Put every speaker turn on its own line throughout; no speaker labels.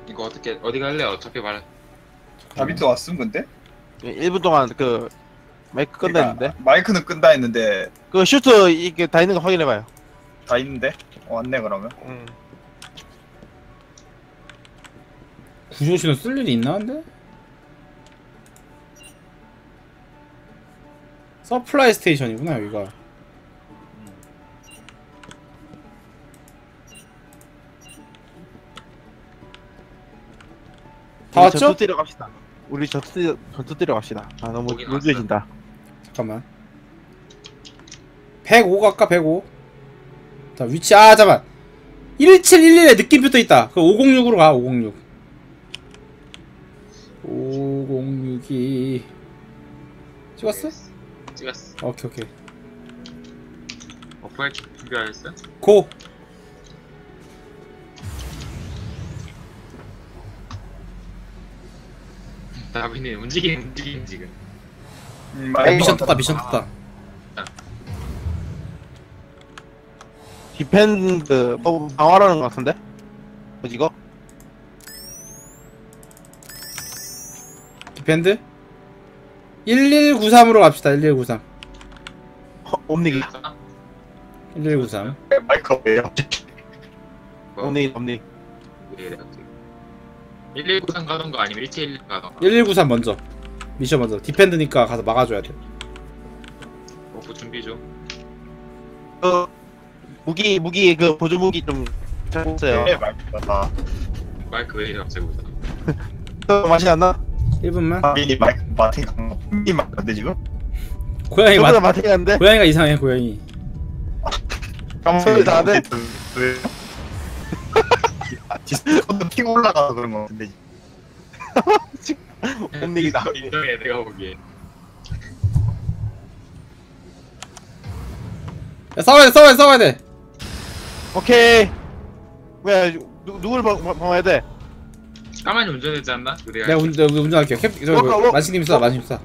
이거 어떻게 어디 갈래? 어차피 말.
다비도 왔음 근데?
1분 동안 그 마이크 끈다 했는데
마이크는 끈다 했는데
그 슈트 이게 다 있는 거 확인해봐요.
다 있는데? 왔네 그러면.
구조신호 쓸 일이 있나 근데? 서플라이 스테이션이구나 여기가. 다 왔죠?
전투 뛰러 갑시다. 우리 전투 뛰러 갑시다. 아 너무
거긴
루즈해진다.
잠깐만. 105 갈까? 105. 자 위치 잠깐 1711에 느낌표 떠있다. 그 506으로 가. 506 506이 찍었어?
찍었어.
오케이 오케이
어플 준비하셨어?
고!
다빈이 움직임 지금.
미션 떴다 미션 떴다.
디펜드 방어라는 것 같은데? 뭐지 이거?
디펜드? 1193으로 갑시다. 1193
옴닉이
1193
마이크 왜요?
옴닉
왜 이래 갑자기? 1193 가던가 아니면 1711 가던가.
1193 먼저 미션 먼저. 디펜드니까 가서 막아줘야 돼.
어플 준비 중.
무기 그 보조 무기 좀 잘했어요.
네 마이크가 다.
마이크 왜 이래 갑자기 오잖아.
맛이 안 나?
1분만.
다빈이 마이크 마틴 이 마이크인데 지금?
고양이
저보다 맛이 안데?
고양이가 이상해 고양이.
소리 다 안 돼?
왜? 디스코드 핑 올라가서 그런 거 같은데.
옴닉이다.
인정해 내가 보기에.
야 싸워야 돼.
오케이. 왜 누굴 방어해야 돼?
까만이 운전하지 않나? 우리가
내가 운전할게요.
워커.
만신님 쏴 만신님 쏴.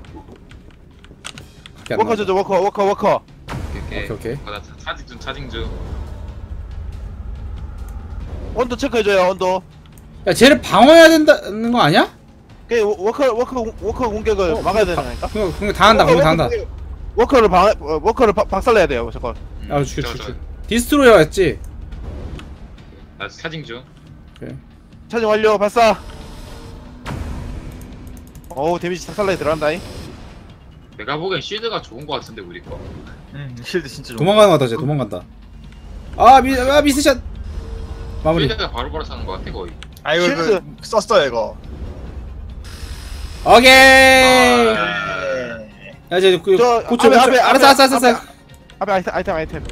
워커 저저 워커.
오케이.
나 차징 중.
온도 체크해줘요 온도.
야 쟤를 방어해야 된다는 거 아니야?
그 워커 공격을 막아야 되는 거니까.
그거 다 한다.
워커를 박살내야 돼요 저거.
아 죽여. 디스트로이어였지.
나 차징 중.
그래.
차징 완료 발사. 어우 데미지 박살내 들어간다잉.
내가 보기엔 쉴드가 좋은 거 같은데 우리 거.
쉴드 진짜 좋아.
도망가는 거 같다. 쟤 도망간다. 미스샷. 마무리.
쉴드가 바로바로 사는 거 같아 거의.
아 이거
쉴드.
썼어요 이거.
오케이.
네.
야 이제
저
고쳐.
앞에,
알았어.
앞에 아이템.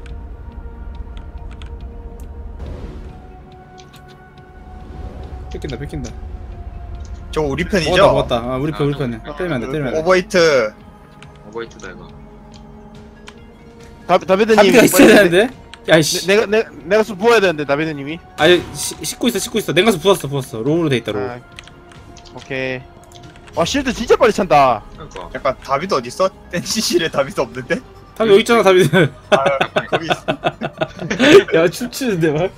뺏긴다.
저 우리 편이죠?
먹었다. 아 우리 편이야. 때리면 안 돼.
오버히트.
오버히트다 이거.
다비드님
담비가 있어야 되는데. 야이씨.
내가 술 부어야 되는데 다비드님이.
아니 씻고 있어. 냉각수 부었어. 로우로 돼 있다. 로우.
오케이. 와 실드 진짜 빨리 찬다.
그러니까.
약간 다비도 어디 있어? 댄시실에 다비도 없는데?
담비 여기 있잖아 담비들.
거기 있어.
야 춤추는데 막.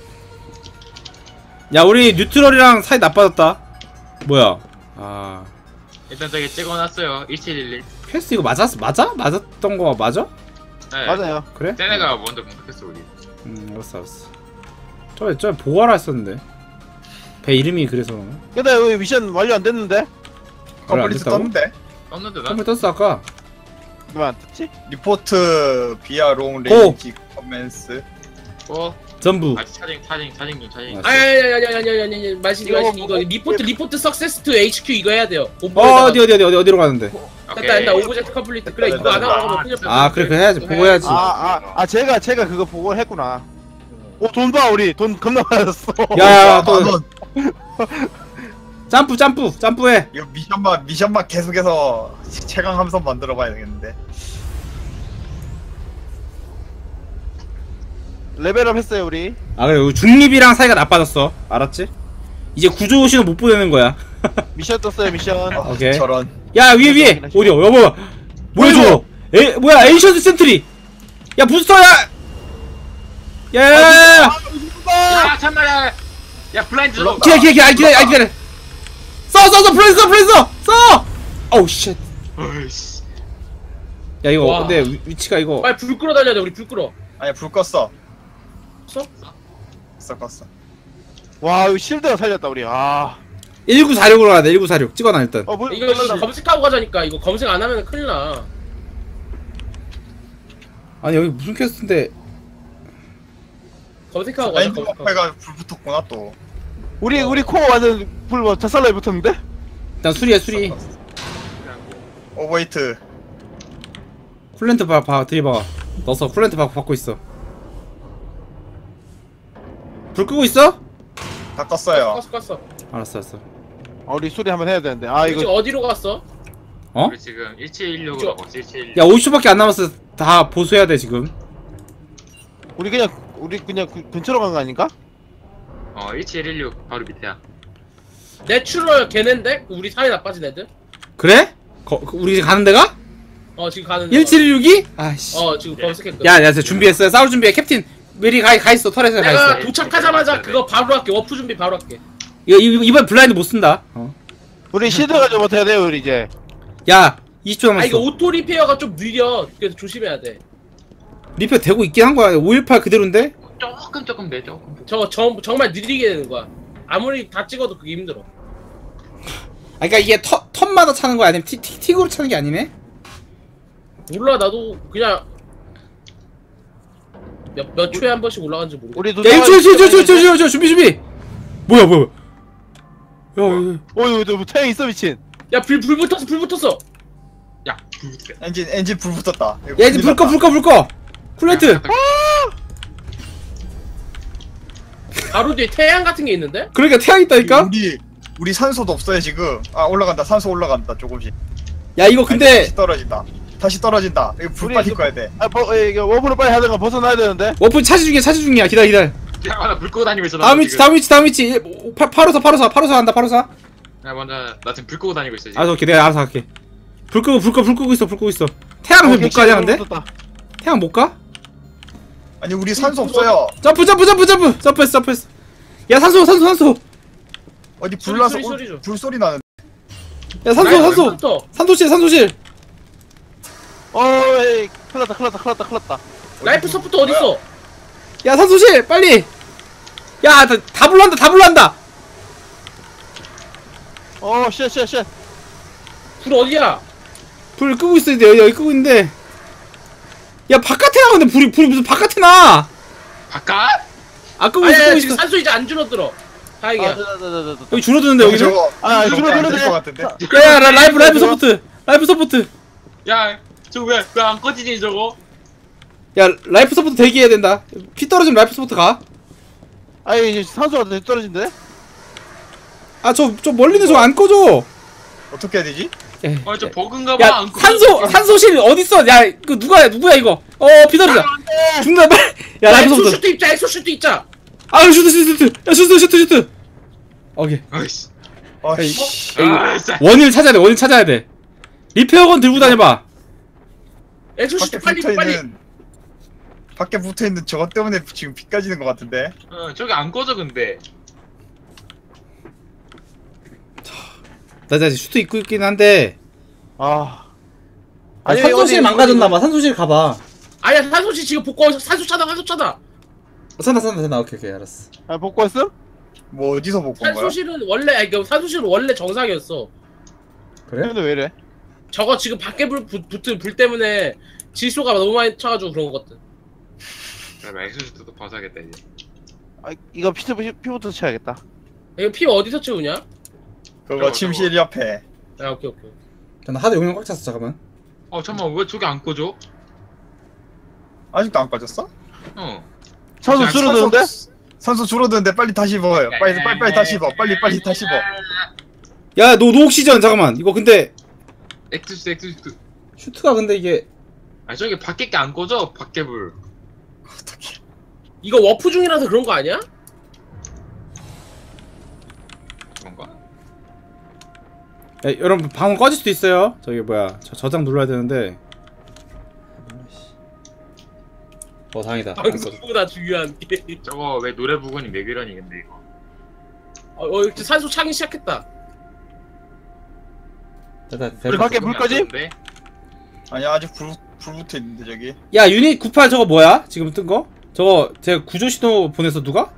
야 우리 뉴트럴이랑 사이 나빠졌다. 뭐야?
일단 저기 찍어놨어요. 1711.
패스 이거 맞아? 맞았던 거 맞아?
네.
맞아요.
그래?
쟤네가 먼저 공격했어 우리.
알았어. 저 보아라 했었는데. 배 이름이 그래서 그런가?
근데 왜 미션 완료 안 됐는데?
컴플리트 떴는데?
떴는데 나?
컴퓨 떴어 아까.
왜 안 떴지?
리포트 비아 롱 레인지 커맨스.
전부.
아직 차징 중.
아야야야야야야야 마신 이거 리포트 석세스 투 HQ 이거 해야 돼요.
어디로 가는데?
됐다 오브젝트 컴플리트. 그래 이거 안 하고 그냥
그래 해야지. 보고 해야지.
제가 그거 보고 했구나. 오 돈 봐 우리 돈 겁나 많았어.
야 또 점프해.
이거 미션만 계속해서 최강 함선 만들어봐야 되겠는데.
레벨업 했어요 우리.
그래 중립이랑 사이가 나빠졌어. 알았지? 이제 구조 신호 못 보내는 거야.
미션 떴어요 미션.
오케이.
저런.
야 위에 어디야? 여보 뭐야 저거? 뭐야 에이션스 센트리. 야 부스터야. 야야야야.
야 참말해. 야 블라인드 저거.
기다려. 써, 플레이 써! 어우, 쉣.
어이씨.
야, 이거,
와.
근데 위치가 이거.
빨리 불 끌어 달려야 돼. 우리 불 끌어.
아니 불 껐어.
써?
껐어.
와 이거 실드가 살렸다 우리. 아.
1946으로 가야 돼, 1946. 찍어놔, 일단.
물
이거 검색하고 가자니까. 이거 검색 안 하면 큰일 나.
아니, 여기 무슨 퀘스트인데.
검색하고 가자.
엔드
검색하고.
버프가 불 붙었구나 또.
우리 코어 완전 불 자살라에 붙었는데?
일단 수리해, 수리.
오버히트.
쿨렌트 들이박아. 넣어서 쿨렌트 받고 있어. 불 끄고 있어?
다 껐어요.
껐어.
알았어.
우리 수리 한번 해야 되는데. 아
지금
이거
어디로 갔어?
어?
우리 지금 1716으로 가고 있어. 1716.
야, 50초밖에 안 남았어. 다 보수해야 돼, 지금.
우리 그냥 근처로 간 거 아닌가?
1716 바로 밑에야.
내추럴 걔넨데? 우리 사이 나빠진 애들?
그래? 우리 지금 가는 데가?
지금 가는 데.
1762? 아씨.
지금 검색했거든.
야, 준비했어. 싸울 준비해. 캡틴. 메리 가 있어. 터렛에 가
내가
있어.
도착하자마자 그거 바로 할게. 워프 준비 바로 할게.
이번 블라인드 못 쓴다.
우리 실드 가지고 못해야 돼요 우리 이제.
야, 20초 남았어.
이거 오토 리페어가 좀 느려. 그래서 조심해야 돼.
리페어 되고 있긴 한 거야. 518 그대로인데?
조금 돼 조금.
저거 정말 느리게 되는 거야. 아무리 다 찍어도 그게 힘들어.
아, 그니까 이게 턴마다 차는 거야? 아니면 틱으로 차는 게 아니네?
몰라 나도 그냥 몇 초에 한 번씩 올라가는지 모르겠어.
우리
야, 1초, 준비! 뭐야. 야.
이거 태양 있어 미친.
야 불 붙었어.
야.
엔진 불 붙었다.
야, 이제 불 꺼! 쿨렌트!
바로 뒤에 태양 같은 게 있는데?
그러니까 태양 있다니까?
우리 산소도 없어요 지금. 올라간다. 산소 올라간다 조금씩.
야, 이거 근데
다시 떨어진다. 이거 불 빨리 꺼야 돼.
이거 워프를 빨리 하든가 벗어나야 되는데.
워프 차지 중이야. 기다려.
야나불 끄고 다니고 있어.
다음 위치. 8호사 한다.
야 먼저 나 지금 불 끄고 다니고 있어 지금.
알았어, 오케이. 내가 알아서 할게. 불 끄고 있어. 태양 왜 못 가냐, 근데? 태양 못 가?
아니 우리 산소 없어요.
점프했어. 야, 산소.
어디 불나서
소리 좀.
불소리 나는.
야, 산소. 산소실.
에이 큰일 났다.
라이프 서포트 어딨어?
야, 산소실, 빨리. 야, 다 불난다.
쉣.
불 어디야?
불 끄고 있어. 여기 끄고 있는데. 야, 바깥에 나오는데 불이 무슨 바깥에 나?
바깥?
끄고
아니
있어.
지금 산소 이제 안 줄어들어. 다행이야.
여기 줄어드는데, 여기는?
저거
줄어드는데.
될것 같은데.
야, 라이프 서포트.
야 저거 왜 안 꺼지지 저거?
야, 라이프 서포트 대기해야 된다. 피 떨어지면 라이프 서포트 가.
아니 산소가 더 떨어진대?
저 멀리는 저거 안 꺼져.
어떻게 해야 되지?
저 버그인가봐.
야, 산소실 어딨어? 야, 누구야 이거? 피 떨어져. 죽는다, 빨리. 야, 라이프 서포트.
엑소슈트 입자.
슈트. 야, 슈트. 오케이.
아이씨.
아이씨.
원인을 찾아야 돼. 리페어건 들고 다녀봐.
엑소슈트 빨리.
밖에 붙어있는 저것 때문에 지금 비 까지는 것 같은데.
저기 안 꺼져 근데.
나 이제 슈트 입고 있긴 한데.
아니
산소실 망가졌나봐. 산소실 가봐.
아니야 산소실 지금 복구. 산소 차다.
산다. 오케이, 알았어.
복구했어?
뭐 어디서 못 본 거야?
산소실은 원래 정상이었어.
그래?
근데 왜 이래?
저거 지금 밖에 붙은 불 때문에 질소가 너무 많이 차가지고 그런 것 같아.
그럼 엑소슈트도 벗어야겠다 이제.
이거 피부터 쳐야겠다.
이거 피 어디서 채우냐?
그거 침실 옆에.
오케이.
나 하도 용량 꽉 찼어. 잠깐만.
잠깐만 왜 저기 안 꺼져?
아직도 안 꺼졌어?
산소 줄어드는데?
산소 줄어드는데 빨리 다시 입어요. 빨리 다시 입어. 빨리 다시 입어.
야, 노옥시전 잠깐만. 이거 근데
엑소슈트.
슈트가 근데 이게
저기 밖에 게 안 꺼져. 밖에 불.
어떻게?
이거 워프 중이라서 그런 거 아니야?
그런가?
야, 여러분 방금 꺼질 수도 있어요. 저기 뭐야, 저장 눌러야 되는데. 다행이다. 안 꺼져.
방송보다 중요한 게.
저거 왜 노래 부근이 맥이러니 근데 이거.
이렇게 산소 차기 시작했다.
됐다,
우리
됐다.
밖에 물 꺼짐?
아니 아직 불 붙어 있는데 저기.
야, 유닛 98 저거 뭐야? 지금 뜬 거? 저거 제가 구조 신호 보내서 누가?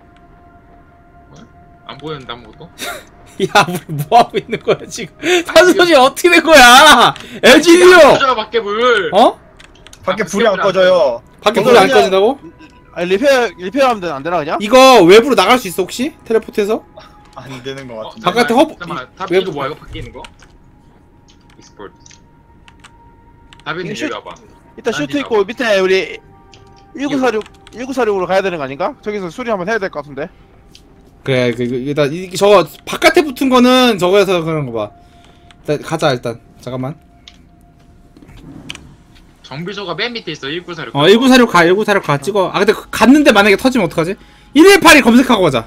안 보였는데 아무것도?
야, 우리 뭐 하고 있는 거야 지금? 산소지 어떻게 된 거야? LGD요.
꺼져 밖에 물.
어?
밖에 불이 안 꺼져요.
밖에
이거
불이 안
그냥-
꺼진다고?
아니 리페어하면 안 되나 그냥?
이거 외부로 나갈 수 있어 혹시? 텔레포트해서?
안 되는 것 같은데.
바깥에 허브-
잠깐만
왜-
답이 뭐야 이거 밖에 있는 거? 익스포트. 답이는
이거
여기 와봐.
이따 슈트 있고 밑에 우리 1946으로 가야 되는 거 아닌가? 저기서 수리 한번 해야 될 것 같은데.
그래, 일단 저거 바깥에 붙은 거는 저거에서 그런 거 봐. 일단 가자 일단. 잠깐만.
정비소가 맨 밑에 있어 1946.
1946 가, 1946 가 찍어. 아 근데 갔는데 만약에 터지면 어떡하지? 118이 검색하고 가자.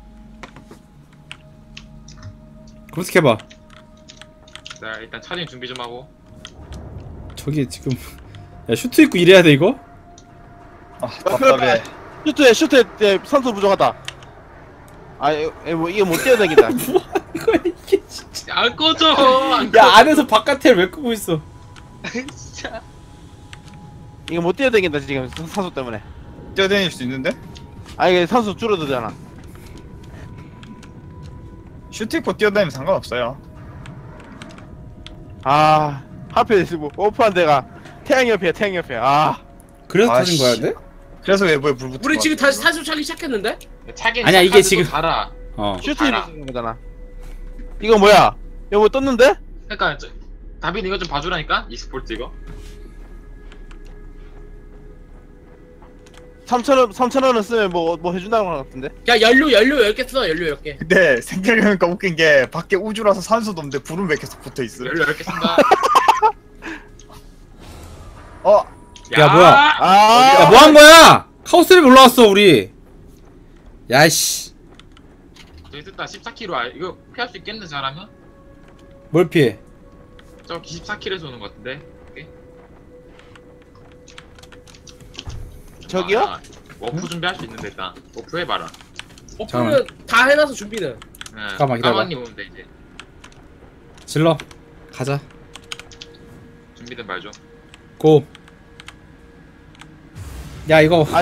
검색해봐.
자 일단 차징 준비 좀 하고.
저기 지금 야 슈트 입고 일해야 돼 이거?
아 답답해.
슈트에 산소 부족하다. 뭐 이게 못 뛰어다닌다.
뭐 하는 거야 이게 진짜.
안 꺼져. 안
야 안에서 바깥에 왜 끄고 있어?
진짜.
이게 못 뛰어다닌다 지금 산소 때문에.
뛰어다닐 수 있는데?
이게 산소 줄어들잖아.
슈트 입고 뛰어다니면 상관없어요.
하필 뭐 오프한 데가 태양 옆이야 태양 옆이야.
그래서 터진
아이씨.
거야 근데?
그래서 외부에 불 붙은
우리
것
지금
같아요.
다시 산소 차기 시작했는데?
차긴
아니야, 이게
시작하지도
지금-
달아.
슈트
알아.
입는 거잖아. 이거 뭐야? 이거 뭐 떴는데?
그러니까 다빈 이거 좀 봐주라니까 익스포트 이거.
3,000원은 쓰면 뭐 해준다는 거 같은데?
야 연료 10개 써 연료 10개.
근데 생각해보니까 웃긴 게 밖에 우주라서 산소도 없는데 불은 왜 계속 붙어 있어?
열려 이렇게 쓴다.
어?
야, 뭐야?
아,
야 뭐 한 거야? 카오스를 올라왔어 우리. 야씨.
저기 됐다 14kg 이거 피할 수 있겠는데 잘하면?
뭘 피해?
저 24kg에서 오는 것 같은데. 오케이.
저기요?
워프 준비할 수 있는데 일단 워프 해봐라.
오픈은 다 해놔서 준비는.
잠깐만, 기다려봐.
까만님 오면 돼 이제.
질러. 가자.
준비된 말 좀.
고. 야 이거.
아.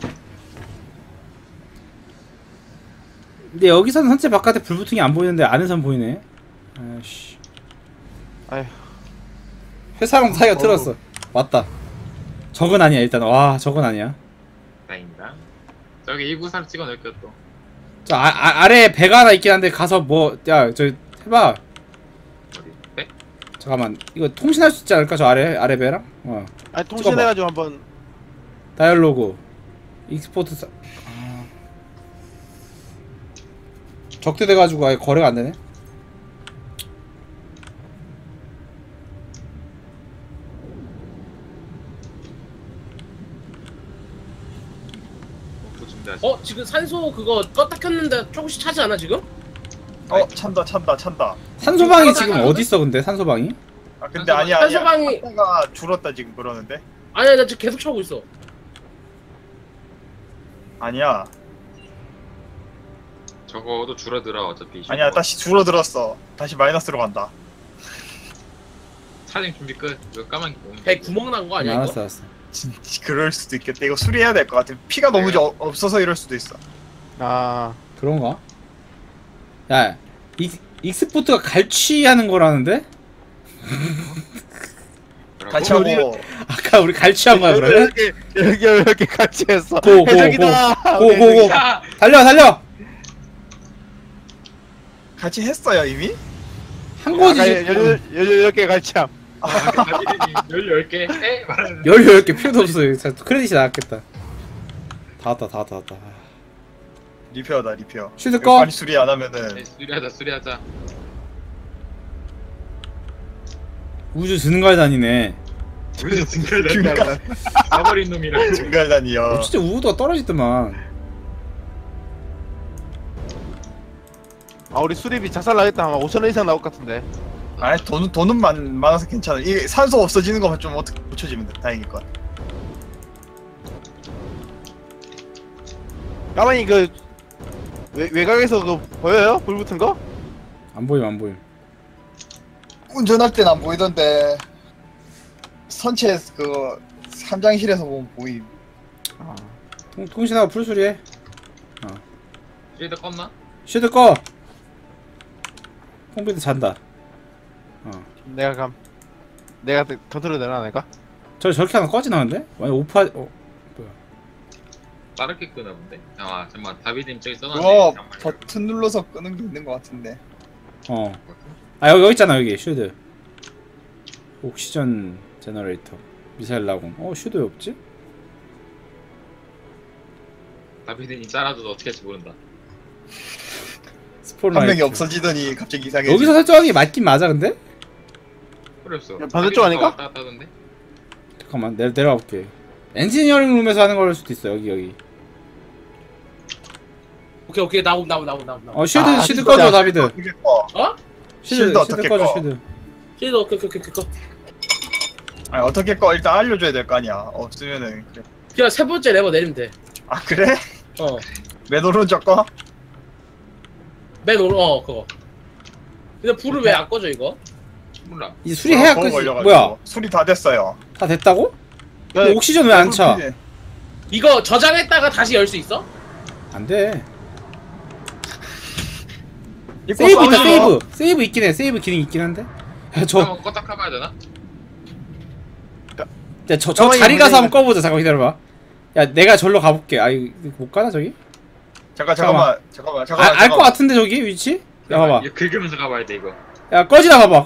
근데 여기서는 선체 바깥에 불 붙은 게 안 보이는데 안에선 보이네. 아씨.
아휴.
회사랑 사이가 틀었어. 왔다. 적은 아니야 일단. 와 적은 아니야.
다행이다. 저기 193 찍어놓을게요 또.
저 아래에 배가 하나 있긴 한데 가서 뭐 야 저 해봐.
어디? 네?
잠깐만 이거 통신할 수 있지 않을까 저 아래 배랑?
통신해가지고 한번.
다이얼로그 익스포트 적대돼가지고 아예 거래가 안 되네.
워프 준비하시.
지금 산소 그거 껐다 켰는데 조금씩 차지 않아 지금?
찬다.
산소방이 지금 어디 있어 근데 산소방이?
아 근데 아니야.
산소방이
가 줄었다 지금 그러는데?
아니야 나 지금 계속 차고 있어.
아니야.
적어도 줄어들어 어차피.
아니야 다시 줄어들었어. 다시 마이너스로 간다.
차징 준비 끝. 이거 까만 게 보면.
배 구멍 난 거 아니야 이거?
알았어.
진짜 그럴 수도 있겠다. 이거 수리해야 될 것 같아. 피가 너무 없어서 이럴 수도 있어.
그런가? 야 익스포트가 갈취하는 거라는데?
같이 하고
아까 우리 갈취한 거야 그러면?
이렇게 같이 했어.
고, 고,
해적이다.
고고고
야!
달려
같이 했어요 이미?
한 거지.
이렇게 같이 함.
다빈이 10개 에? 말하는.
10개 필요도 없어. 진짜 크레딧이 나왔겠다. 다 왔다.
리페어다 리페어.
쉴드
이거
꺼.
빨리 수리 안 하면은
수리하자.
우주 증가에 다니네.
우리도 증가를 가버린 놈이라.
증갈단이요.
진짜 우주가 떨어지더만.
우리 수리비 작살 나겠다. 아마 5,000원 이상 나올 것 같은데.
아니 돈은 많아서 괜찮아. 이게 산소 없어지는 것만 좀 어떻게 고쳐지면 돼. 다행일 것 같아.
가만히 외곽에서 그거 보여요? 불 붙은 거?
안 보임 안 보임.
운전할 땐 안 보이던데 선체 그 삼장실에서 보면 보임.
통신하고 풀수리해.
쉴드 껐나?
쉴드 꺼. 컴퓨터 잔다.
내가 컨트롤 되나 내가?
저렇게 하면 꺼지나는데? 완전 오파. 뭐야?
빠르게 끄나 본데? 아 잠깐만 다비드님 저기 써놨네.
그거
잠깐만요.
버튼 눌러서 끄는 게 있는 것 같은데.
아 여기 있잖아 여기 쉴드. 옥시전 제너레이터. 미사일 라군. 쉴드 왜 없지?
다비드님 잘라줘도 어떻게 할지 모른다.
스포라이트.
한 명이 없어지더니 갑자기 이상해.
여기서 설정하는 게 맞긴 맞아 근데?
필요 없어.
반대쪽 아닌가?
왔다 갔다 하던데?
잠깐만 내려가 볼게. 엔지니어링 룸에서 하는 걸 수도 있어 여기.
오케이 나옴.
쉴드
진짜.
꺼줘 다비드.
어떻게 꺼?
어?
쉴드 어떻게
꺼줘
꺼?
쉴드.
쉴드 오케이.
아니 어떻게 꺼? 일단 알려줘야 될 거 아니야. 없으면은 그래.
그냥 세 번째 레버 내리면 돼.
아 그래? 맨 오른쪽 꺼?
맨 오른 그거. 근데 불을 왜 안 꺼져 이거?
몰라.
이 수리해야
그거
끝이.
걸려가지고.
뭐야?
수리 다 됐어요.
다 됐다고? 근데 옥시전 왜 안 차?
이거 저장했다가 다시 열 수 있어?
안 돼.
입고
세이브 있다
싸우지 마.
세이브 있긴 해. 세이브 기능 있긴 한데. 저
한번 껐다 켜봐야 되나?
가만히
자리 가서
있는데.
한번 꺼보자. 잠깐 기다려봐. 야 내가 절로 가볼게. 아 이거 못 가나 저기?
잠깐만.
알 것 같은데 저기 위치? 야 봐봐.
이거 긁으면서 가봐야 돼 이거.
야 꺼지나 봐봐.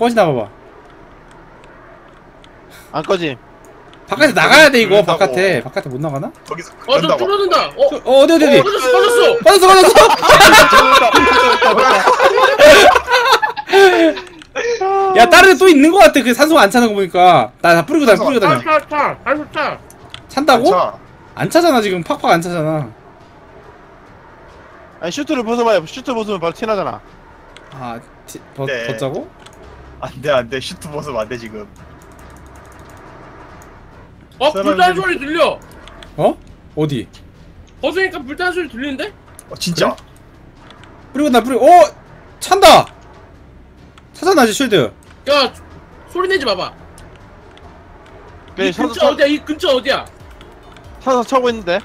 안 꺼지.
바깥에 나가야 돼 이거.
그런다고.
바깥에 못 나가나?
거기서
좀
그런다고.
줄어든다.
어디
꺼졌어.
야 다른 데 또 있는 것 같아. 그 산소가 안 차는 거 보니까. 나 다 뿌리고 다녀.
차.
찬다고?
자,
안 차잖아 지금. 팍팍 안 차잖아.
아니 슈트를 벗어봐요. 슈트 벗으면 바로 티나잖아.
아
네.
벗자고?
안돼 슈트 벗으면 안돼 지금.
불타는 소리 들려.
어디?
벗으니까 불타는 소리 들리는데?
진짜.
뿌리고 찬다! 차잖아 이제 쉴드.
야 소리 내지 마봐.
네,
이 근처 어디야? 이 근처 어디야?
사서 차고 있는데.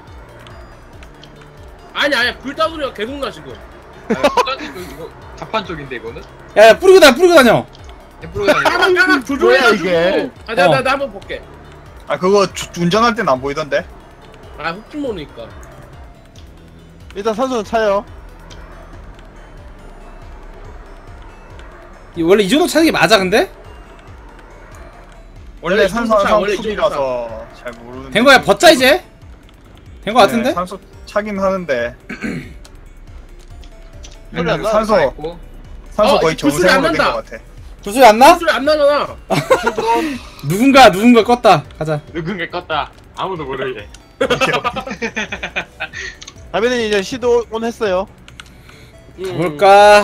아니야 불타는 소리가 계속 나 지금.
이거 자판 쪽인데 이거는?
야 뿌리고 다녀.
까만 조조해가지고.
이게?
나 한번 볼게.
아 그거 운전할 땐 안 보이던데.
훅좀 모르니까.
일단 산소는 차요.
원래 이 정도 차는 게 맞아 근데?
원래
이
산소
정도 차,
항상
원래 이 정도
풀이라서 잘 모르는데.
된 거야 벗자 이제? 된 거 같은데?
네, 산소 차긴 하는데.
소리 안 나.
산소 거의
불소리 안
정상으로 된
난다.
것 같아.
구슬 안 나?
소리 안 나잖아.
누군가 껐다. 가자.
누군가 껐다. 아무도 모르게.
다비는 이제 시도 온 했어요.
가볼까?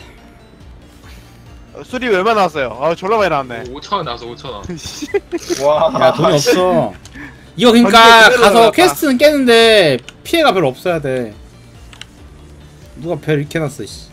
수리 얼마 나왔어요? 아 졸라 많이 나왔네.
5,000원 나와서 5,000원.
와.
야 돈이 없어. 이거 그니까
전체 그대로
가서
나갔다.
퀘스트는 깨는데 피해가 별로 없어야 돼. 누가 별 이렇게 해놨어 씨.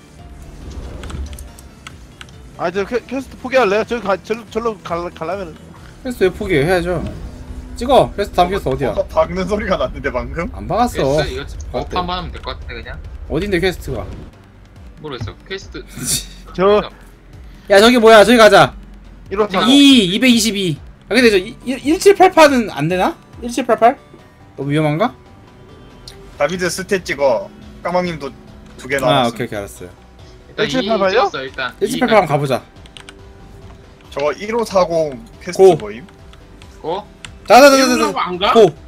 아 저 퀘스트 포기할래요? 절로 갈라면은.
퀘스트 왜 포기해? 해야죠. 찍어. 퀘스트 다음 퀘스트 어디야?
뭔가 박는 소리가 났는데 방금.
안 박았어.
이거 버프만 하면 될 것 같은데 그냥?
어딘데 퀘스트가?
모르겠어. 퀘스트.
저
야 저기 뭐야? 저기 가자.
1호차
222. 아 근데 저 1788은 안 되나? 1788? 너무 위험한가?
다비드 스탯 찍어. 까망님도 2개
아
나왔어.
오케이 알았어요.
일단 2
1788 요?
찍었어 일단.
1788 한번 가보자.
저거 1540 퀘스트
고.
모임.
고.
자자자자자.
안 가?
고.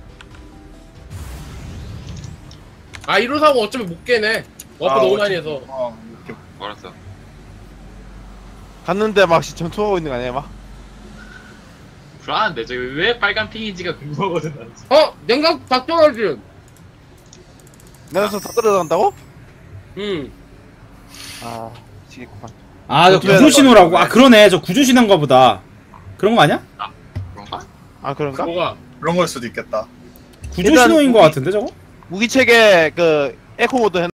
1호사고 어쩌면 못 깨네. 워프 너무 많이 해서.
이렇게
알았어.
갔는데 막 전투하고 있는 거 아니야 막?
불안한데 저기 왜 빨간 핑인지가 궁금하거든 난.
냉각 작동하지.
내가서 다 떨어져간다고? 아 지겠구만.
아 저 구조 신호라고. 아 그러네. 저 구조 신호인가 보다. 그런 거 아니야?
그런가?
아 그런가?
뭐가?
그런 걸 수도 있겠다.
구조
일단
신호인 거 같은데 저거?
무기체계 그 에코 모드